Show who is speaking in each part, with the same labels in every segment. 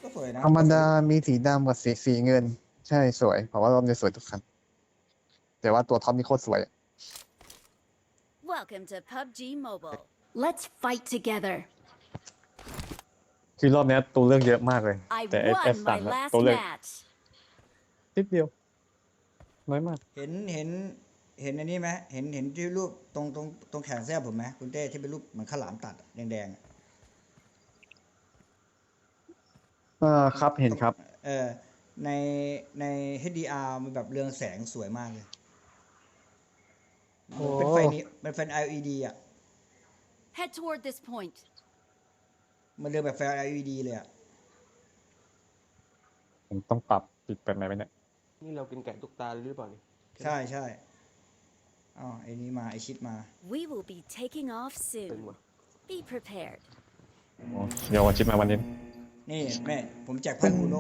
Speaker 1: ก็สวยนะ
Speaker 2: ธรรมดามีสีดำกับสีเงิน ใช่สวยเพราะว่ารอบนี้สวยทุกคันแต่ว่าตัวท็อปนี่โคตรสวย
Speaker 3: Welcome to PUBG Mobile. Let's fight together.
Speaker 4: คือรอบนี้ตัวเลือกเยอะมากเลย
Speaker 3: I
Speaker 4: แต่
Speaker 3: won
Speaker 4: S3
Speaker 3: my
Speaker 4: อะ
Speaker 3: last
Speaker 4: ตัวเลือก
Speaker 3: match.
Speaker 4: นิดเดียวน้อยมาก
Speaker 1: เห็นอันนี้ไหมเห็นที่รูปตรงแขนเสื้อผมไหมคุณเต้ที่เป็นรูปเหมือนข้าวหลามตัดแดงๆอะ
Speaker 2: ครับเห็นครับ
Speaker 1: เออในใน HDR มันแบบเรืองแสงสวยมากเลย
Speaker 2: โอ้
Speaker 1: เป็นไฟนี้มันเป็น LED อ่ะ
Speaker 3: Head toward this point.
Speaker 1: มันเรืองแบบไฟ LED เลยอ่ะ
Speaker 4: ผมต้องปรับปิดเป็นไหมเนี่ย
Speaker 5: นี่เรากินไก่ตุ๊กตาหรือเปล่านี่
Speaker 1: ใช่ใช่อ๋อไอ้นี้มาไอชิดมา
Speaker 3: We will be taking off
Speaker 5: เป็น
Speaker 3: soon.
Speaker 5: วะ
Speaker 3: Be prepared.
Speaker 4: โอ้เดี๋ยววันชิปมาวันนี้
Speaker 1: นี่แม่ผมแจกพันคูโน่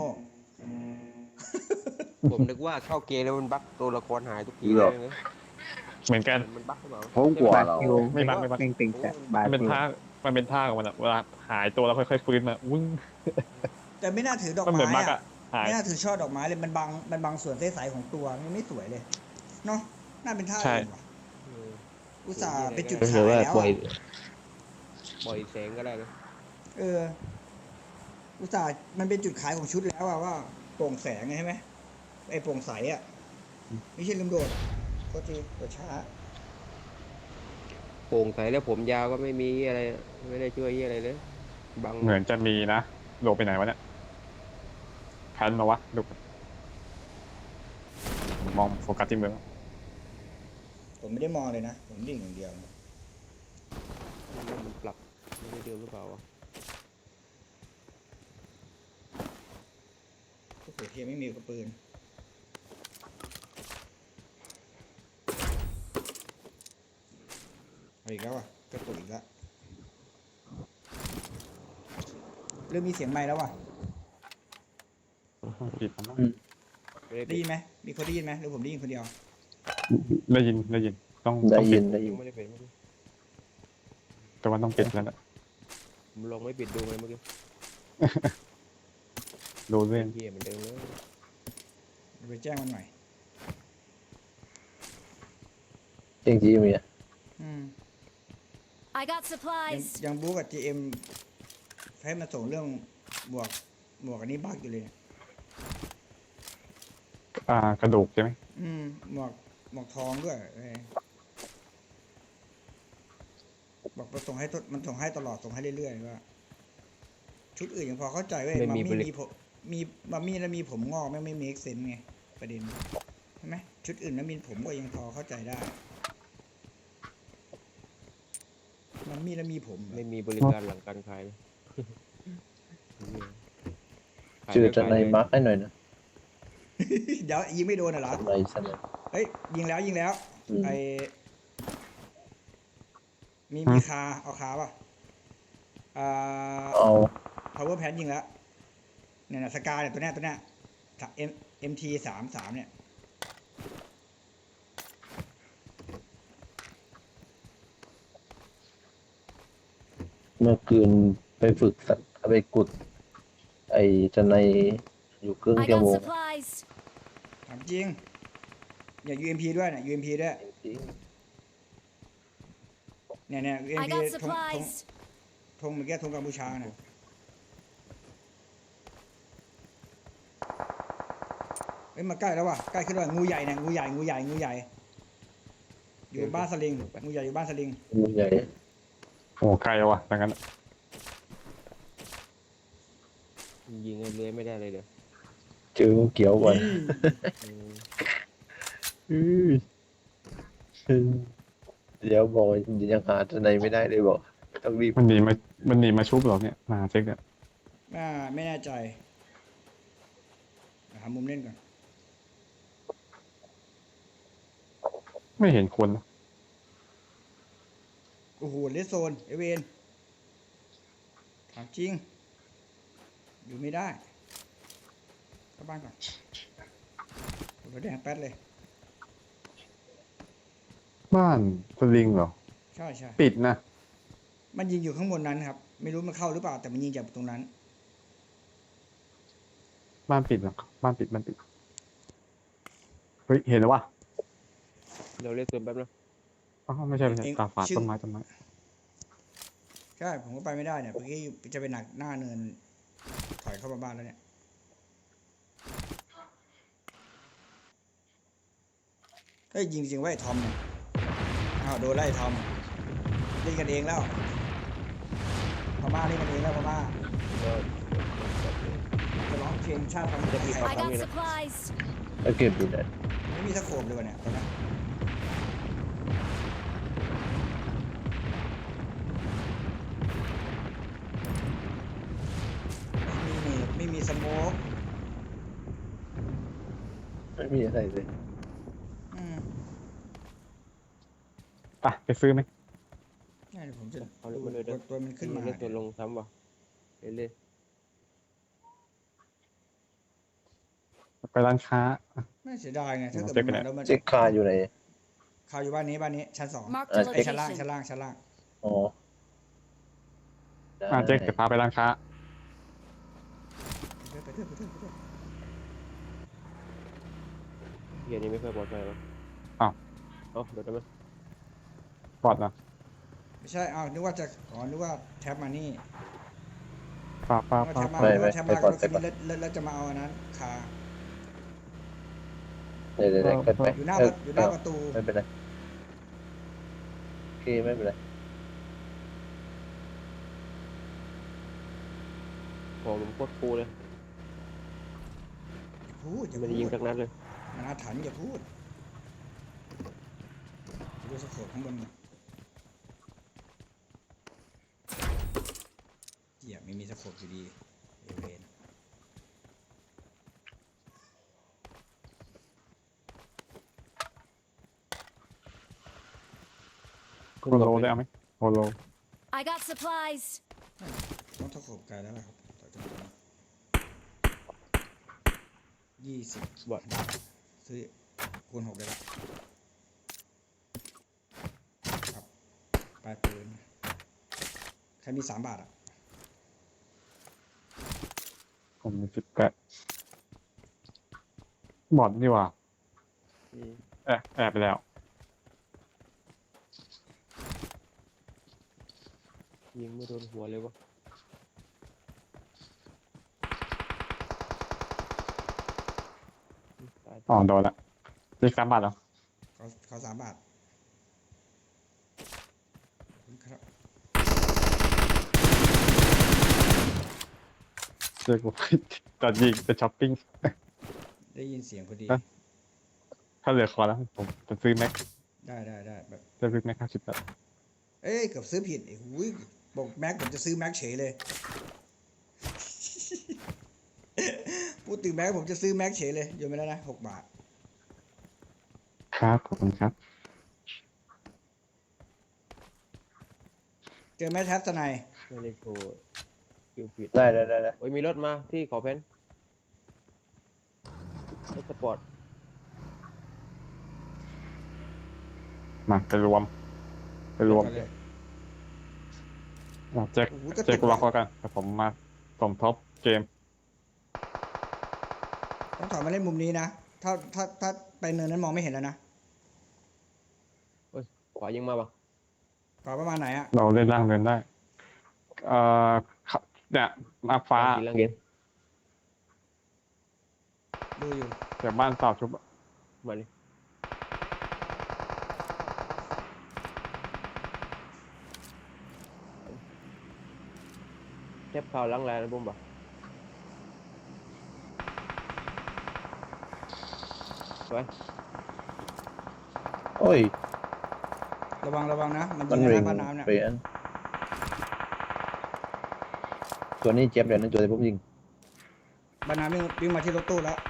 Speaker 5: ผมนึกว่าเข้าเกมแล้วมันบั๊กตัวละครหายทุกที
Speaker 6: หร
Speaker 5: เล
Speaker 6: อ
Speaker 5: ยนะ
Speaker 4: เหมือนกัน
Speaker 5: มันบั๊กหรือเปล่า
Speaker 6: เขากลัวเรา
Speaker 4: ไม่บักไม่บัก
Speaker 6: เป่งแต่บา
Speaker 4: มันเป็นท่ามันเป็นท่าของมันอะเวลาหายตัวแล้วค่อยๆฟื้นมาวุ้ง
Speaker 1: แต่ไม่น่าถือดอก
Speaker 4: มันเหมื
Speaker 1: ไม้
Speaker 4: อนบัก
Speaker 1: อะ
Speaker 4: อะหาย
Speaker 1: ไม่น่าถือช่อดอกไม้เลยมันบังส่วนใสๆของตัวมันไม่สวยเลยเนาะน่าเป็นท่าอื่นว่ะ
Speaker 5: เออ
Speaker 1: อุตส่าห์เป็นจุด
Speaker 6: ก็
Speaker 1: ขา
Speaker 6: คือย ว่า
Speaker 1: แล้ว
Speaker 6: ปล่อย
Speaker 1: อะ
Speaker 5: ปล่อยแสงก็ได้นะ
Speaker 1: เอออุตส่าห์มันเป็นจุดขายของชุดแล้วอะว่าโปร่งแสงไงใช่ไหมไอ้โปร่งใสอะไม่ใช่ลืมโดดก็ทีกดช้า
Speaker 5: โปร่งใสแล้วผมยาวก็ไม่มีอะไรไม่ได้ช่วยอะไรเลยบัง
Speaker 4: เหมือนจะมีนะโดดไปไหนวะเนี่ยคันมาวะดูมองโฟกัสที่มือ
Speaker 1: ผมไม่ได้มองเลยนะผมดิ่งอย่างเดียว
Speaker 5: มันปรับไม่ได้เดิมหรือเปล่าวะ
Speaker 1: โอ้โหเทียไม่มีกระปืนเอาอีกแล้วอ่ะกระตุกอีกแล้วเริ่มมีเสียงไมค์แล้วว่ะ
Speaker 4: ผิดนะ
Speaker 5: ไม่ได้
Speaker 1: ได้ยินไหมมีคนได้ยินไหมหรือผมได้ยินคนเดียว
Speaker 4: ได้ยินต้อง
Speaker 6: ได้
Speaker 4: ต้อง
Speaker 6: ยิ
Speaker 4: ปิ
Speaker 6: น
Speaker 4: ด
Speaker 6: ได้ยิ
Speaker 5: ยั
Speaker 6: น
Speaker 5: งไม่ได้เป็นเมื่อกี้
Speaker 4: แต่ว่าต้องปิดแล้วนะ
Speaker 5: ผมลองไม่ปิดดูไงเมื่อกี้
Speaker 4: ดูเรื่อง
Speaker 5: เหี้ยเหมือนเดิมเลย
Speaker 1: ไปแจ้งมันหน่อย
Speaker 6: จริงจริงมีอ่ะ
Speaker 1: อืม
Speaker 3: I got
Speaker 1: ยัง
Speaker 3: supplies.
Speaker 1: ยังบู๊กับ GM ให้มาส่งเรื่องบวกอันนี้บักอยู่เลยเนี่ย
Speaker 4: กระดูกใช่ไหม
Speaker 1: อืมหมวกทองด้วยบอกมาส่งให้มันส่งให้ตลอดส่งให้เรื่อยๆว่าชุดอื่นยังพอเข้าใจเว้ยมัมมี่มีผมมีมัมมี่แล้วมีผมงอกไม่เมคเซนไงประเด็นใช่ไหมชุดอื่นแล้วมีผมก็ยังพอเข้าใจได้มัมมี่แล้วมีผมเหรอ
Speaker 5: ไม่มีบริการหลังการขายเลยขาย
Speaker 6: ชื่อ
Speaker 5: แล้ว
Speaker 6: จะ
Speaker 5: ขาย
Speaker 6: ใน
Speaker 5: เลย
Speaker 6: มาร์กให้หน่อยนะ
Speaker 1: เดี๋ยวยิงไม่โดนเหรอ
Speaker 6: ในสนาม
Speaker 1: เฮ้ยยิงแล้ว
Speaker 6: อืม
Speaker 1: ไอมีคาเอาคาป่ะ
Speaker 6: เอา
Speaker 1: power pan ยิงแล้วเนี่ยนะสกาเนี่ยตัวเนี้ยMT 33เนี่ย
Speaker 6: เมื่อคืนไปฝึกสัตว์ไปกุด ไอจะในอยู่ครึ่ง
Speaker 3: I
Speaker 6: ชั่ว
Speaker 3: got
Speaker 6: โมง
Speaker 3: supplies.
Speaker 1: ถามจริงอย่า UMP ด้วยนะ UMP ด้วย
Speaker 6: จริง
Speaker 1: เนี่ย
Speaker 3: I
Speaker 1: UMP
Speaker 3: got
Speaker 1: ธง
Speaker 3: supplies.
Speaker 1: เมื่อกี้ธงกัมพูชาน่ะเฮ้ยมาใกล้แล้วว่ะใกล้ขึ้นแล้วงูใหญ่เนี่ยงูใหญ่อยู่บ้านสลิงงูใหญ่อยู่บ้านสลิง
Speaker 6: งูใหญ่
Speaker 4: โอ้ใครวะดังนั้น
Speaker 5: ยิงเรื่อยไม่ได้เลยเดี๋ยว
Speaker 6: เจองูเขียวก่อน
Speaker 5: อืม
Speaker 6: เดี๋ยวบอกยังหาจะในไม่ได้เลยบอกต้องรีบ
Speaker 4: มันหนีมาชุบเหรอเนี่ยมาเช็คอะ
Speaker 1: ไม่แน่ใจหามุมเล่นก่อน
Speaker 4: ไม่เห็นคนนะ
Speaker 1: โอ้โหเลสโซนเอเวนถามจริงอยู่ไม่ได้เข้าบ้านก่อนหัวแดงแป๊ดเลย
Speaker 4: บ้านสลิงเหรอ
Speaker 1: ใช่
Speaker 4: ปิดนะ
Speaker 1: มันยิงอยู่ข้างบนนั้นครับ ไม่รู้มันเข้าหรือเปล่าแต่มันยิงจากตรงนั้น
Speaker 4: บ้านปิดเหรอบ้านปิดเฮ้ยเห็นแล้ววะ
Speaker 5: เราเรียกตัวแป๊บนะ
Speaker 4: อ๋อไม่ใช่ตาฝาดต้นไม้
Speaker 1: ใช่ผมก็ไปไม่ได้เนี่ยเมื่อกี้จะไปหนักหน้าเนินถอยเข้ามาบ้านแล้วเนี่ยเฮ้ยยิงจริงไว้ไอ้ทอมเนี่ยอ้าวโดนไล่ทอมเล่นกันเองแล้วพม่าเล่นกันเองแล้วพม่า
Speaker 5: ก็
Speaker 1: จะร้องเพลงชาติพันธุ์ไทย
Speaker 3: I got supplies.
Speaker 6: แล้วเก็บอยู่ไหน
Speaker 1: ไม่มีตะโขบเลยวะเนี่ยตอนนี้ไม่มีสโมก
Speaker 6: ไม่มีอะไรเลย
Speaker 1: อืม
Speaker 4: ไปซื้อไหม
Speaker 1: นี่เดี๋ยวผมจะ
Speaker 5: เอาเลยมาเลย
Speaker 1: กดตัวมันขึ้นมา
Speaker 5: เรียกตัวลงซ้ำว่ะเรื่อย
Speaker 4: ไปร้านค้า
Speaker 1: ไม่เสียดายไงถ้าเกิด
Speaker 4: เจ๊
Speaker 1: มัน
Speaker 4: ไปไหน
Speaker 1: มาแล้วมัน
Speaker 6: เช็คคาอยู่ไหน
Speaker 1: ข่าวอยู่บ้านนี้ชั้นสอง
Speaker 3: Marked a
Speaker 1: ไอ้ยชั้นล่าง
Speaker 3: location.
Speaker 6: อ๋อได้
Speaker 4: เจ๊เดี๋ยวพาไปร้านค้า
Speaker 1: ไปเถอะ
Speaker 5: ๆเฮียนี่ไม่ค่อยปลอดภัยหรอก
Speaker 4: อ้าว
Speaker 5: เอ้าเดี๋ยวได้ไหม
Speaker 4: ปลอดนะ
Speaker 1: ไม่ใช่อ้าวนึกว่าจะนึกว่าแท็บมานี่
Speaker 4: ป้า
Speaker 1: นึกว่าแท็บมา
Speaker 6: ไม่
Speaker 1: นึก
Speaker 6: ไม่
Speaker 1: ว่าแท็บ
Speaker 6: ไม่
Speaker 1: มา
Speaker 6: ก่อน
Speaker 1: รถ
Speaker 6: ไป
Speaker 1: คัน
Speaker 6: ก่อน
Speaker 1: นี้แล้วจะมาเอาอันนั้นคา
Speaker 6: เดี๋ยวเกิดไป
Speaker 1: อยู่หน้าประตู
Speaker 6: ไม่เป็นไรโอเคไม่เป็นไร
Speaker 5: ของผมโคตรฟูเลย
Speaker 1: อย่า
Speaker 5: ไม่ได้
Speaker 1: พู
Speaker 5: ยิง
Speaker 1: ด
Speaker 5: สักนัดเลย
Speaker 1: มันอาถรรพ์อย่าพูดดูสโคปข้างบนก่อนเหี้ยไม่มีสโคปอยู่ดีเอเวน
Speaker 4: โฮโลได้เอาไหมโฮโล
Speaker 3: I got supplies.
Speaker 1: ต้องสโคปไกลแล้วล่ะครับต่อจากนี้20
Speaker 5: บอท
Speaker 1: ซื้อคูณ6ได้ละครับปลายปืนใครมี3 บาทอ่ะ
Speaker 4: ผมมี18บอดดีกว่า
Speaker 5: อืม
Speaker 4: แอบไปแล้ว
Speaker 5: ยิงไม่โดนหัวเลยวะตาย
Speaker 4: อ๋อโดนละเลข3 บาทเหรอ
Speaker 1: เขา3 บาทขอบคุณครับ
Speaker 4: เรียกว่าตอนยิงไปช้อปปิ้ง
Speaker 1: ได้ยินเสียงพอดี
Speaker 4: ฮะ ถ้าเหลือคอแล้วผมจะซื้อแม็ก
Speaker 1: ได้แบบ
Speaker 4: จะซื้อแม็ก50 บาท
Speaker 1: เอ้ยเกือบซื้อผิดไอ้หูยบอกแม็กผมจะซื้อแม็กเฉยเลย พูดถึงแม็กผมจะซื้อแม็กเฉยเลยโยนไปแล้วนะ6 บาท
Speaker 4: ครับขอบคุณครับ
Speaker 1: เจอแม็กแท็บสไนย
Speaker 5: ไม่ได้โชว์คิวผิด
Speaker 6: ได้
Speaker 5: โอ้ยมีรถมาที่ขอเพนรถสปอร์ต
Speaker 4: มาไปรวม
Speaker 1: เลย
Speaker 4: แจ็ค
Speaker 1: โอ้โหกระตุก
Speaker 4: แจ็คล็อกแล้วกันแต่ผมมาสมทบเกม
Speaker 1: ต้องถอยมาเล่นมุมนี้นะถ้าไปเนินนั้นมองไม่เห็นแล้วนะ
Speaker 5: ขวายิงมาปะ
Speaker 1: กว่าประมาณไหนอะ
Speaker 4: เราเล่นล่างเดินได้ เอ่อเนี่ยมาฟ้า
Speaker 5: กินลังเย็น
Speaker 1: ดูอยู่
Speaker 4: แต่บ้านเต่าชุบ
Speaker 5: มาดิเทปข่าวล้างแรงนะบุ้มปะไป
Speaker 6: โอ้ย
Speaker 1: ระวังนะมัน
Speaker 6: มัน
Speaker 1: ยิง
Speaker 6: ริ
Speaker 1: นะ
Speaker 6: ง
Speaker 1: บ้านน้ำเนี่ย
Speaker 6: เปลี่ยนตัวนี้เจ็บเดี๋ยวนึงตัวที่ผมยิง
Speaker 1: บ้านน้ำวิ่งมาที่รถตู้แล้ว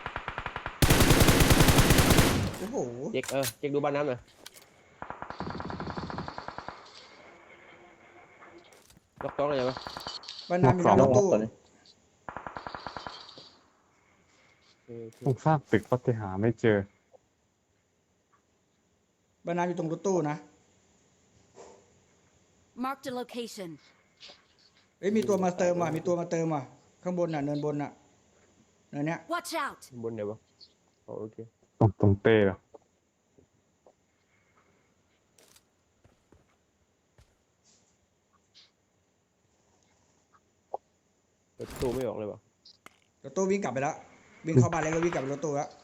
Speaker 1: โอ้โห
Speaker 5: เช็คดูบ้านน้ำหน่อยล็อกต้องอะไรปะ
Speaker 1: บ้านน้ำอยู่หน้าร
Speaker 6: น้อ
Speaker 1: ถ
Speaker 6: งออก
Speaker 1: ตู้
Speaker 6: ตัวนี้
Speaker 4: ต้องสร้างตึกก็จะหาไม่เจอ
Speaker 1: บ้านน้ำอยู่ตรงรถตู้นะ
Speaker 3: Marked a location.
Speaker 1: เอ้ยมีตัวมาเติมว่ะข้างบนน่ะเนินบนน่ะเนินเนี้ย
Speaker 3: Watch out!
Speaker 5: บนไหนวะอ๋อโอเค
Speaker 4: ตรงเต้เหรอ
Speaker 5: ประตูไม่ออกเลยวะ
Speaker 1: รถตู้วิ่งกลับไปแล้ววิ่งเข้าบ้านเล็กแล้ววิ่งกลับไปรถตู้แล้ว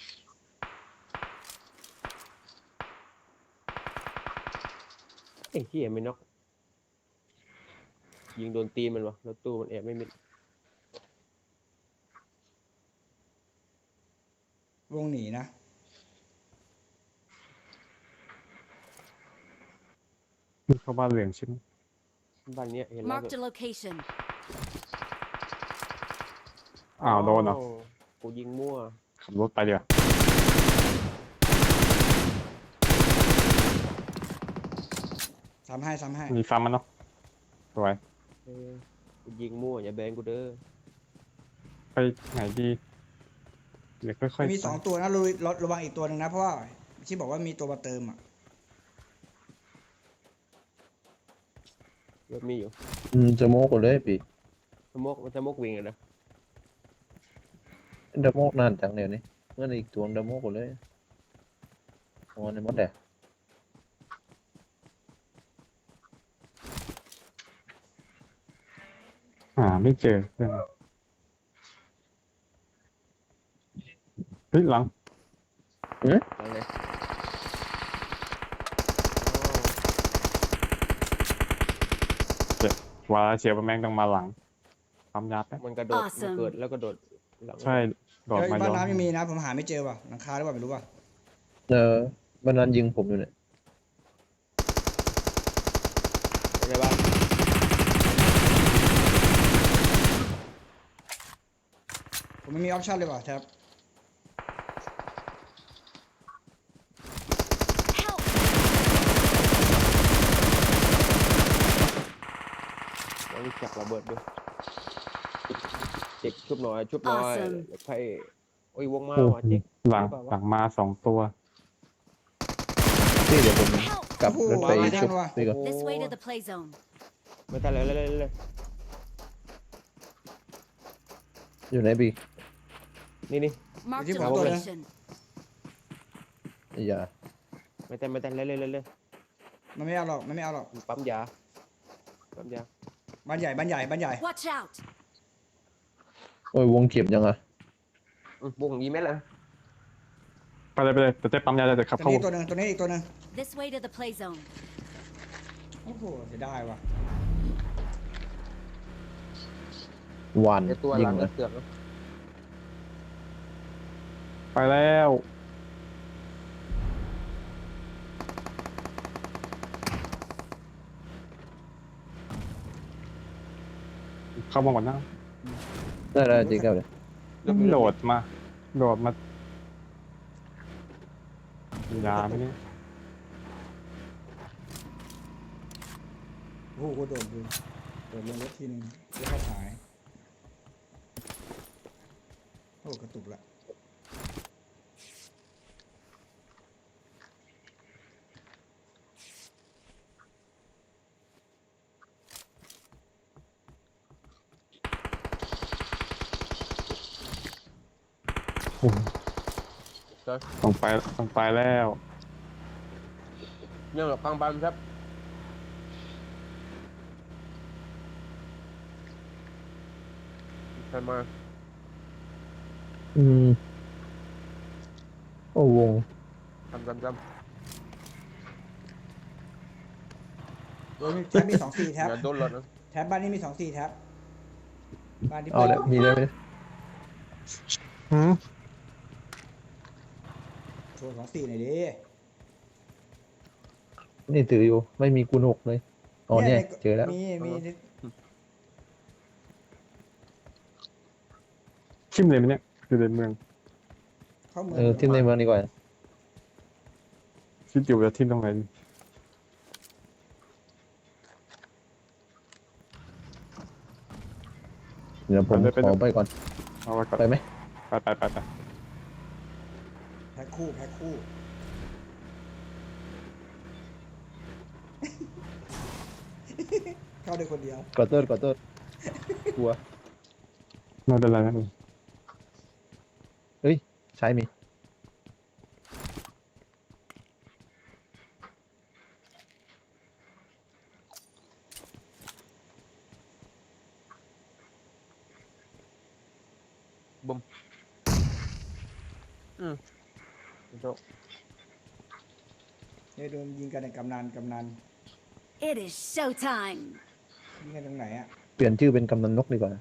Speaker 5: ไอ้เหี้ยไม่น็อกยิงโดนตีนมันวะแล้วตู้มันแอบไม่มิด
Speaker 1: วงหนีนะ
Speaker 4: นี่เข้าบ้านเหลืองใช่ไหม
Speaker 5: บ้านเนี้ยเห็นแล้ว
Speaker 3: Marked a location.
Speaker 4: อ้าวโดนเหรอ
Speaker 5: กูยิงมั่ว
Speaker 4: ขับรถไปเดี๋ยว
Speaker 1: ซ้ำให้
Speaker 4: มีซ้ำมันเนาะสวย
Speaker 5: เออกูยิงมั่วอย่าแบงกูเด้อ
Speaker 4: ไปไหนดีเดี๋ยวค่อยๆ
Speaker 1: มี
Speaker 4: ไป
Speaker 1: 2 ตัวนะระวังอีกตัวหนึ่งนะเพราะว่าที่บอกว่ามีตัวมาเติมอ่ะ
Speaker 5: รถมีอยู่
Speaker 6: จะโมกกันเลยปี
Speaker 5: สมกมันจะมกวิ่งอะนะ
Speaker 6: ดะโมกนานจังเดี๋ยวนี้เมื่ออีกตัวดะโมกกันเลยโอ้ในมดแดด
Speaker 4: ไม่เจอเพื่อนเฮ้ยหลัง
Speaker 5: หลังไหน
Speaker 4: วาเชียร์แม่งต้องมาหลังความยับแป๊บ
Speaker 5: มันกระโดด
Speaker 3: Awesome
Speaker 5: มันเกิดแล้วก็โดดหลัง
Speaker 4: ใช่โดด
Speaker 1: เฮ้ย
Speaker 4: มา
Speaker 1: บ้า
Speaker 4: ย้
Speaker 1: น
Speaker 4: อน
Speaker 1: น้ำยังมีนะผมหาไม่เจอว่ะหลังคาหรือเปล่าไม่รู้ว่ะ
Speaker 6: บ้านนั้นยิงผมอยู่เนี่ย
Speaker 5: อะไรบ้าง
Speaker 1: ผมไม่มีออปชั่นเลยว่ะแท็บ
Speaker 3: Help!
Speaker 5: แล้วมีจักระเบิดด้วยเจ็กชุบหน่อยชุบหน่อย
Speaker 3: Awesome
Speaker 5: ใครโอ้ยวงมา
Speaker 4: โอ้
Speaker 5: ว่ะเจ็ก
Speaker 4: หลังมา2 ตัว
Speaker 6: ที่เดี๋ยวผม
Speaker 3: Help!
Speaker 6: กลับรถไปชุบนี่ก่อน
Speaker 3: This way to the play zone.
Speaker 5: ไม่ทันเลยเลย
Speaker 6: อยู่ไหนปี
Speaker 5: นี่
Speaker 3: Marked
Speaker 1: Did
Speaker 3: a
Speaker 1: you want to-
Speaker 3: location.
Speaker 6: อย่า
Speaker 5: ไม่ทันเลย
Speaker 1: มันไม่เอาหรอกมันไม่เอาหรอก
Speaker 5: ปั๊มยา
Speaker 1: บ้านใหญ่
Speaker 3: Watch out!
Speaker 6: โอ้ยวงเก็บยังอ่ะ
Speaker 5: วงนี้ไหมล่ะ
Speaker 4: ไปเลยแต่เจ๊ปั๊มยาจะขับ
Speaker 1: ตัว
Speaker 4: เข้า
Speaker 1: นี้ตัวหนึ่งตัวนี้อีกตัวหนึ่ง
Speaker 3: This way to the play zone.
Speaker 1: โอ้โหเสียดายว่ะ
Speaker 6: หวาน
Speaker 5: ไอตัวห
Speaker 6: ยิ
Speaker 5: ลั
Speaker 6: ง
Speaker 5: ง
Speaker 6: นะ
Speaker 5: เสือก
Speaker 4: ไปแล้วเข้ามาก่อนนะ
Speaker 6: ได้จริงครับเลย
Speaker 4: โดดมายาไหมเนี่ย
Speaker 1: โอ้โหโดดดูโดดลงรถทีนึงแล้วก็หายโอ้กระตุกละ
Speaker 4: ต้องไปแล้ว
Speaker 5: ยังหลับกลางบ้านครับใครมา
Speaker 6: โอ้วง
Speaker 5: จำ
Speaker 1: โดยแท็บมี2-4แท็บ
Speaker 5: อย่าโดนรถนะ
Speaker 1: แท็บบ้านนี้มี2-4แท็บบ้านที่
Speaker 6: เอาแล้วมีได้ไหม
Speaker 1: โชว์2-4หน่อยดิ
Speaker 6: นี่ถืออยู่ไม่มีคูณ6เลยอ๋อเนี่ยเจอแล้ว
Speaker 1: มี
Speaker 4: ชิมเลยไหมเนี่ยอยู่ในเมือง
Speaker 1: เข้าเมือง
Speaker 6: ที่ในเมืองดีกว่า
Speaker 4: คิดอยู่จะทิมตรงไหน
Speaker 6: เดี๋ยวผมขอไปก่อน
Speaker 4: เอาไว้ก่อน
Speaker 6: ไปไหม
Speaker 4: ไป
Speaker 1: แพ็คคู่เข้าได้คนเดียว
Speaker 6: ขอโทษกลัว
Speaker 4: ไม่เป็นไรนะ
Speaker 6: เฮ้ยใช้มี
Speaker 5: บุ้มโจ๊ก
Speaker 1: เนี่ยโดนยิงกันในกำนัน
Speaker 3: It is showtime.
Speaker 1: ยิงกันตรงไหนอ่ะ
Speaker 6: เปลี่ยนชื่อเป็นกำนันนกดีกว่านะ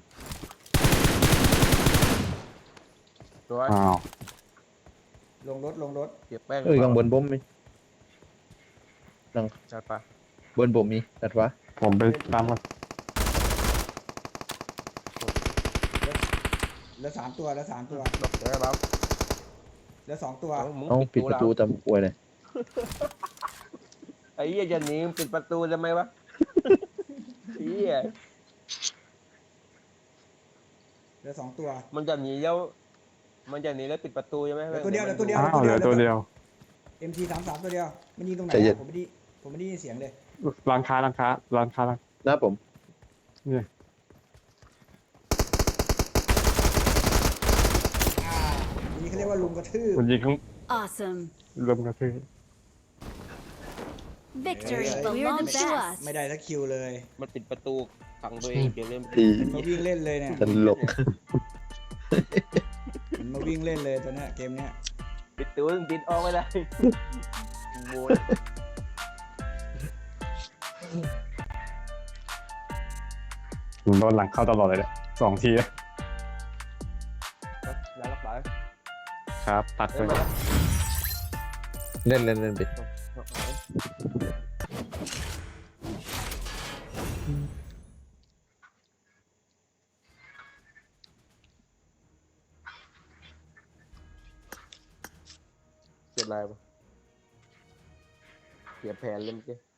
Speaker 5: ตัว
Speaker 4: อ้าว
Speaker 1: ลงรถ
Speaker 5: เก็บแป้ง
Speaker 6: เอ้ยข้างบนผมมี
Speaker 5: จัดไป
Speaker 6: บนผมมีตัดวะ
Speaker 4: ผมไปตามกัน
Speaker 1: แล้ว3 ตัวแล้ว3 ตัว
Speaker 5: ดอกเดี๋ยวครับ
Speaker 1: แล้ว2 ตัว
Speaker 5: มึง
Speaker 6: เอ้าปิดประตู
Speaker 5: แล้ว
Speaker 6: ตามป่วยเลย
Speaker 5: ไอ้เหี้ยจะหนีมึงปิดประตูทำไมวะไอ้เหี้ย
Speaker 1: แล้ว2 ตัว
Speaker 5: มันจะหนีแล้วปิดประตูใช่ไหม
Speaker 1: เหลือตัวเดียวเหลือตัวเดียว
Speaker 4: อ้าวเหลือตัวเดียว
Speaker 1: MT33 ตัวเดียวมันยิงตรงไหน
Speaker 6: ใจเย็น
Speaker 1: อะผมไม่ได้ยินเสียงเลย
Speaker 4: ร้านค้า
Speaker 6: หน้าผม
Speaker 4: เนี่ย
Speaker 1: นี่เขาเรียกว่าลุมกระทืบ
Speaker 4: มันยิงข้าง
Speaker 3: Awesome.
Speaker 4: เริ่มกระทืบ
Speaker 3: Victory
Speaker 1: Hey.
Speaker 3: belongs to us.
Speaker 1: ไม่ได้สักคิวเลย
Speaker 5: มันปิดประตูขังตัวเองเดี๋ยวเล่น
Speaker 6: ที
Speaker 1: มันมาวิ่งเล่นเลยเนี่ย
Speaker 6: ตลก
Speaker 1: มันมาวิ่งเล่นเลยตัวเนี้ยเกมเนี้ย
Speaker 5: ปิดตัวมึงปิดออกไม่ได้โว้ย
Speaker 4: ผมโดนหลังเข้าตลอดเลยเนี่ย2 ที
Speaker 5: แล้วรับสาย
Speaker 4: ครับ ตัดไป
Speaker 5: เล่นมา
Speaker 6: เล่นไป
Speaker 5: เสร็จอะไรปะเสียแผนเลยเมื่อกี้